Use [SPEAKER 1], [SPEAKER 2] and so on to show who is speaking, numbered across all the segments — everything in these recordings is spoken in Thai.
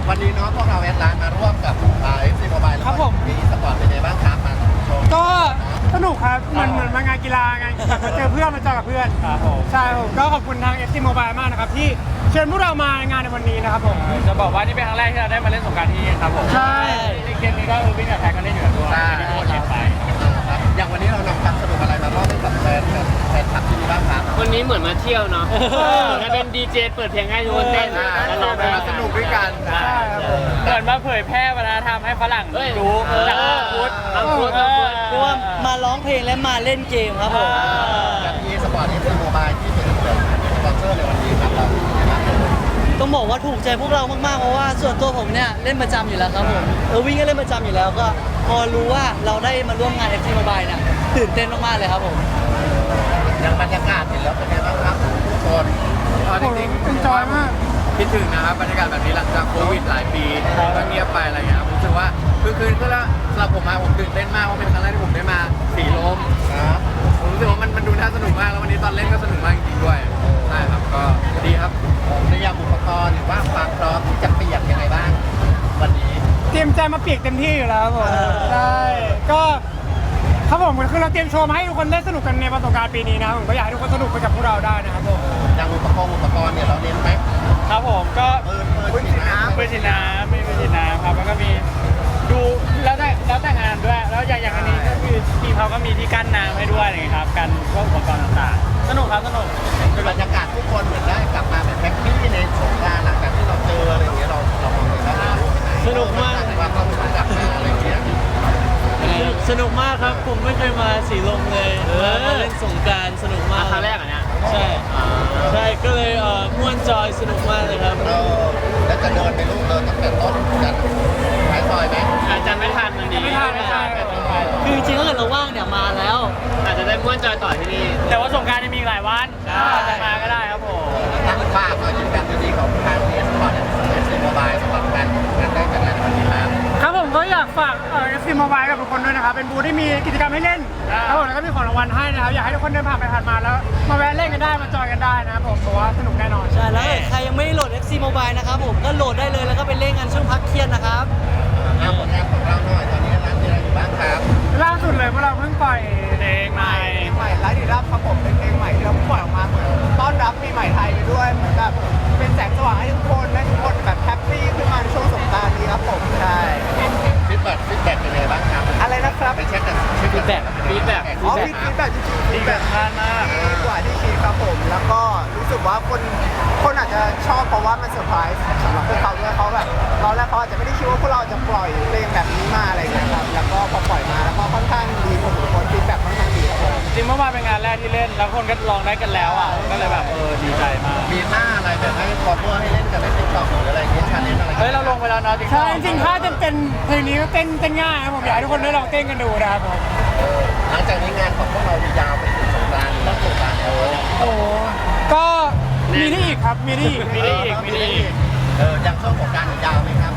[SPEAKER 1] วันนี้เนาะพวกเราแอดไลน์มาร่วมกับFC Mobile แล้วก็มีสปอร์ตเป็นไงบ้างครับมาชม
[SPEAKER 2] ก็สนุกครับเหมือนมางานกีฬางานแบบมาเจอเพื่อนมาเจอกับเพื่อน
[SPEAKER 3] ครับผม
[SPEAKER 2] ใช่ผมก็ขอบคุณทาง FC Mobile มากนะครับที่เชิญพวกเรามางานในวันนี้นะครับผม
[SPEAKER 3] จะบอกว่านี่เป็นครั้งแรกที่เราได้มาเล่นสงกรานต์ที่นี่ครับผม
[SPEAKER 2] ใช่
[SPEAKER 3] ในเกมนี้ก็วิ่งกับแท็กกันเล่นอยู่ด้วยที่ทุกคนเห็นไป
[SPEAKER 1] อย่างวันนี้เรานำความสนุกอะไรมามอบให้กับแฟนคลับที่นี่บ้างครับ
[SPEAKER 4] วันนี้เหมือนมาเที่ยวเนาะแล้วเป็นดีเจเปิดเพลงให้ทุกคนเต้นแล้วร้องเพลง
[SPEAKER 1] มาสนุกด้วยกัน
[SPEAKER 3] เหมือนมาเผยแพร่วัฒนธรรมให้ฝรั่งรู้จากพุทธ
[SPEAKER 5] เพราะว่ามาร้องเพลงและมาเล่นเกมครับผม
[SPEAKER 1] กับที่สปอร์ตFC Mobileที่เป็นสปอนเซอร์ในวันนี้ครับเรา
[SPEAKER 5] ต้องบอกว่าถูกใจพวกเรามากๆเพราะว่าส่วนตัวผมเนี่ยเล่นประจำอยู่แล้วครับผมวิ่งก็เล่นประจำอยู่แล้วก็พอรู้ว่าเราได้มาร่วมงาน FC Mobile เนี่ยตื่นเต้นมากๆเลยครับผม
[SPEAKER 1] อย่างบรรยากาศเห็นแล้วเป็นไงบ้างครับทุกคน
[SPEAKER 2] จริงเป็นจอยมาก
[SPEAKER 3] คิดถึงนะครับบรรยากาศแบบนี้หลังจากโควิดหลายปีก็เงียบไปอะไรเงี้ยผมรู้สึกว่าคืนก็แล้วสำหรับผมมาผมตื่นเต้นมากเพราะเป็นครั้งแรกที่ผมได้มาสีลมผมรู้สึกว่ามันดูน่าสนุกมากแล้ววันนี้ตอนเล่นก็สนุกมากจริงๆด้วยใช่ครับก็ดีครับ
[SPEAKER 1] ในยามอุปกรณ์หรือว่าความพร้อมที่จะเปียกยังไงบ้างวันนี้
[SPEAKER 2] เตรียมใจมาเปียกเต็มที่อยู่แล้วผมใช่ก็ครับผมคือเราเตรียมโชว์มาให้ทุกคนได้สนุกกันในวันสงกรานต์ปีนี้นะผมก็อยากให้ทุกคนสนุกไปกับพวกเราได้นะครับผม
[SPEAKER 1] อย่างอุปกรณ์เนี่ยเราเน้นไหม
[SPEAKER 3] ครับผมก็
[SPEAKER 1] ปืนฉีดน้ำ
[SPEAKER 3] ปืนฉีดน้ำครับแล้วก็มีดูแล้วแต่งานด้วยแล้วอย่างอันนี้ก็คือทีมเขาก็มีที่กั้นน้ำให้ด้วยอะไรครับกันพวกอุปกรณ์ต่างๆสนุกครับสนุก
[SPEAKER 1] บรรยากาศทุกคนเหมือนได้กลับมาแบบแฮปปี้ในสงกรานต์หลังจากที่เราเจออะไรอย่างเงี้ยเรามองเลยว่า
[SPEAKER 5] สนุกมาก
[SPEAKER 1] ว่าเรากลับมาอะไรอย่างเงี้ย
[SPEAKER 5] สนุกมากครับผมไม่เคยมาสีลมเลยมาเล่นสงกรานต์สนุกมาก
[SPEAKER 4] ครั้งแรกอ่ะเนี่ย
[SPEAKER 5] ใช่ก็เลยม่วนจอยสนุกมากเลยครับ
[SPEAKER 1] แล้วจะเดินไปลูกเดินตั้งแต่ต้นกันท้ายซอยไหม
[SPEAKER 4] อาจจะไม่ทันมันดี
[SPEAKER 2] ไม่ทัน
[SPEAKER 5] คือจริงๆถ้าเกิดเราว่างเนี่ยมาแล้ว
[SPEAKER 4] อาจจะได้ม้วนจอยต่อที่นี่
[SPEAKER 3] แต่ว่าสงกรานต์ยังมีหลายวันจะมาก็ได้ครับผม
[SPEAKER 1] ฝากก็ยืนยันดีของทางเอสปอร์ตFC Mobile สำหรับการได้จัดงานวันนี้
[SPEAKER 2] ครับผมก็อยากฝาก FC Mobile กับทุกคนด้วยนะครับเป็นบูธที่มีกิจกรรมให้เล่นครับผมแล้วก็มีของรางวัลให้นะครับอยากให้ทุกคนเดินผ่านไปผ่านมาแล้วมาแวะเล่นกันได้มาจอยกันได้นะครับผมเพราะว่าสนุกแน่นอน
[SPEAKER 5] ใช่แล้วใครยังไม่โหลด FC Mobile นะครับผมก็โหลดได้เลยแล้วก็ไปเล่นกันช่วงพักเที่ยงนะครับ
[SPEAKER 1] ผลงานของเราหน่อยตอนนี้ร้านมีอะไรอยู่บ้างครับ
[SPEAKER 2] ล่าสุดเลยพวกเราเพิ่งปล่อย
[SPEAKER 3] เพลงใหม่
[SPEAKER 6] ไลฟ์ดีรับครับผมเป็นเพลงใหม่ที่เราปล่อยออกมาเหมือนต้อนรับปีใหม่ไทยไปด้วยเหมือนแบบเป็นแสงสว่างให้ทุกคนและทุกคนแบบแฮปปี้ขึ้นมาในช่วงสงกรานต์นี้ครับผมใช่
[SPEAKER 1] ฟีดแบ็กเป็นไงบ้างครับ
[SPEAKER 6] อะไรนะครับ
[SPEAKER 1] ไปเช็คกันฟีดแบ็ก
[SPEAKER 6] ฟีดแบ็กจริงๆฟีดแบ็กมากกว่าที่คิดครับผมแล้วก็รู้สึกว่าคนอาจจะชอบเพราะว่ามันเซอร์ไพรส์สำหรับพวกเขาด้วยเขาแบบตอนแรกเขาอาจจะไม่ได้คิดว่าพวกเราจะปล่อยเพลงแบบนี้มาอะไรอย่างเงี้ยครับแล้วก็พอปล่อยมาแล้วก็ค่อนข้างดีผมทุกคนฟีดแบ็กค่อนข้างดีครับผม
[SPEAKER 3] จริงเมื่อวานเป็นงานแรกที่เล่นแล้วคนก็ลองได้กันแล้วอ่ะก็เลยแบบดีใจมาก
[SPEAKER 1] มีท่าอะไรแบบให้คอมเมอร์ให้เล่นกันในติ๊กต็อกหรืออะไรเงี้ยชาเลนจ์อะไร
[SPEAKER 3] เราลงไปแล้วเนาะ
[SPEAKER 2] ใช่จริงๆถ้าจะเป็นเพลงนี้ก็เต้นง่ายครับผมอยากให้ทุกคนได้ลองเต้นกันดูนะครับผม
[SPEAKER 1] หลังจากนี้งานของพวกเรายาวไปถึงสงกรานต์ต้องสงกรานต์แล้ว
[SPEAKER 2] โอ้ก็มีได้อีกครับมีได้อีก
[SPEAKER 1] อย่างช่วงสงกรานต์ยาวไหมครับ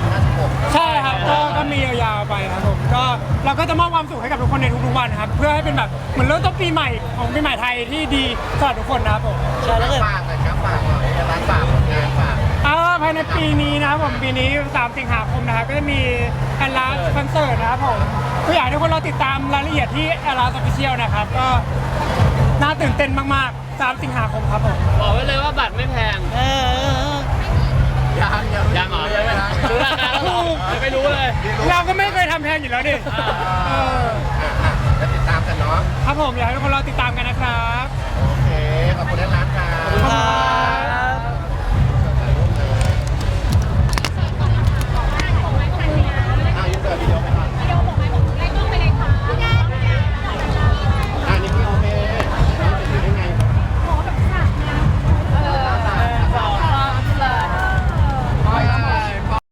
[SPEAKER 1] 14-16
[SPEAKER 2] ใช่ครับก็มียาวๆไปครับผมก็เราก็จะมอบความสุขให้กับทุกคนในทุกๆวันครับเพื่อให้เป็นแบบเหมือนเริ่มต้นปีใหม่ของปีใหม่ไทยที่ดีสำหรับทุกคนนะครับผม
[SPEAKER 1] ใช่แล้วฝากเลยครับฝากหน่อยร้านฝากงานฝาก
[SPEAKER 2] ภายในปีนี้นะครับผมปีนี้3 สิงหาคมนะครับก็จะมีแอนลาสคอนเสิร์ตนะครับผมก็อยากให้ทุกคนรอติดตามรายละเอียดที่แอนลาสออฟฟิเชียลนะครับก็น่าตื่นเต้นมากๆ3 สิงหาคมครับผม
[SPEAKER 4] บอกไว้เลยว่าบัตรไม่แพงยังเหรอรู้ราคาแล้วไม่รู้เลย
[SPEAKER 2] เราก็ไม่เคยทำแพงอยู่แล้วดิ
[SPEAKER 1] จะติดตามกันเนาะ
[SPEAKER 2] ครับผมอยากให้ทุกคนรอติดตามกันนะครับ
[SPEAKER 1] โอเคขอบคุณร้านครับ